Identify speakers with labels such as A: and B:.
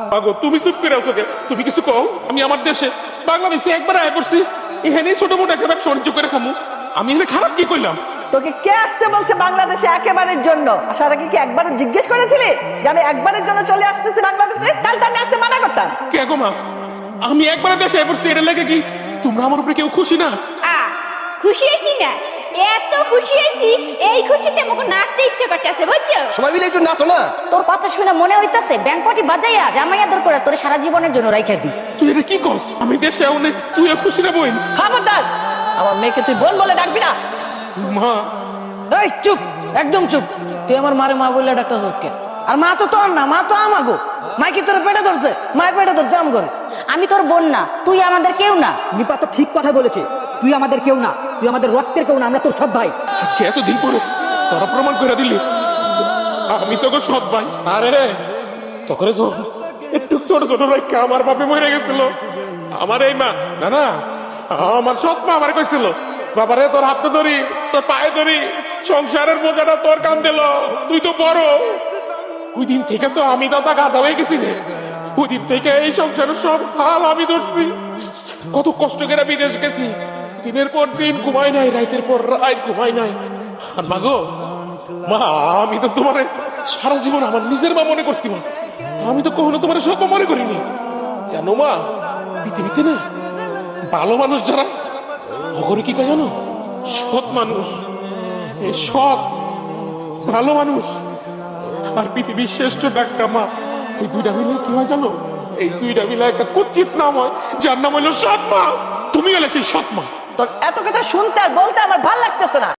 A: আগো তুমি চুপ করে আছো কে? তুমি কিছু কও। আমি আমার দেশে বাংলাদেশে একবার আয় করছি, এখানে ছোট মোটো একটা ব্যবসা বাণিজ্য করে খামু। আমি এখানে খারাপ কি কইলাম?
B: তোকে কে আসতে বলছে বাংলাদেশে একেবারের জন্য? আসার আগে কি একবার জিজ্ঞেস করেছিলি যে আমি একবারের জন্য চলে আসতেছি বাংলাদেশে? কাল তো আমি আসতে মানা করতাম।
A: কে গো মা? আমি একবার দেশে আয় করছি, এটা লেগে কি তোমরা আমার উপরে কেউ খুশি না?
C: খুশি হয়েছি না, এত খুশি হয়েছি, এই খুশিতে মুখ নাচতে ইচ্ছে করতেছে, বুঝছো?
D: সবাই মিলে একটু নাচো না।
E: তোর কথা শুনে মনে হইতাছে ব্যাংকটি বাজাইয়া জামাই আদর করে তোর সারা জীবনের জন্য রাইখা দি।
A: তুই এটা কি করস? আমি দেশে আউনে তুই খুশি না বইন?
B: খবরদার, আমার মেয়েকে তুই বোন বলে ডাকবি না।
A: মা
F: এই চুপ, একদম চুপ। তুই আমার মারে মা বললে ডাক্তার কে? আর মা তো তোর না, মা তো আমাগো। মা কি তোর পেটে ধরছে? মায়ের পেটে ধরছে আম করে।
E: আমি তোর বোন না, তুই আমাদের কেউ না।
G: নিপা তো ঠিক কথা বলেছে, তুই আমাদের কেউ না, তুই আমাদের রক্তের কেউ না, আমরা তোর সৎ ভাই।
A: আজকে এতদিন পরে তোরা প্রমাণ করে দিলি আমি তোকে সৎ ভাই। আরে তখন একটু ছোট ছোট রাখা আমার বাপে মরে গেছিল, আমার এই মা না না আমার সৎ মা আমার কইছিল, বাবারে তোর হাতে ধরি, তোর পায়ে ধরি, সংসারের বোঝাটা তোর কান দিল, তুই তো বড়। ওই দিন থেকে তো আমি দাদা গাধা হয়ে গেছি রে। ওই দিন থেকে এই সংসারের সব হাল আমি ধরছি। কত কষ্ট করে বিদেশ গেছি, দিনের পর দিন ঘুমাই নাই, রাতের পর রাত ঘুমাই নাই। আর মা গো মা, আমি তো তোমার সারা জীবন আমার নিজের মা মনে করছি মা, আমি তো কখনো তোমার সব মনে করিনি। জানো মা, পৃথিবীতে না ভালো মানুষ যারা অগরে কি কয় জানো? সৎ মানুষ। এই সৎ ভালো মানুষ আর পৃথিবীর শ্রেষ্ঠ ডাক্তার মা, এই দুইটা মিলে কি হয় জানো? এই দুইটা মিলে একটা কুচিত নাম হয়, যার নাম হলো সৎ মা। তুমি হলে সেই সৎ মা।
B: তোর এত কথা শুনতে আর বলতে আমার ভাল লাগতেছে না।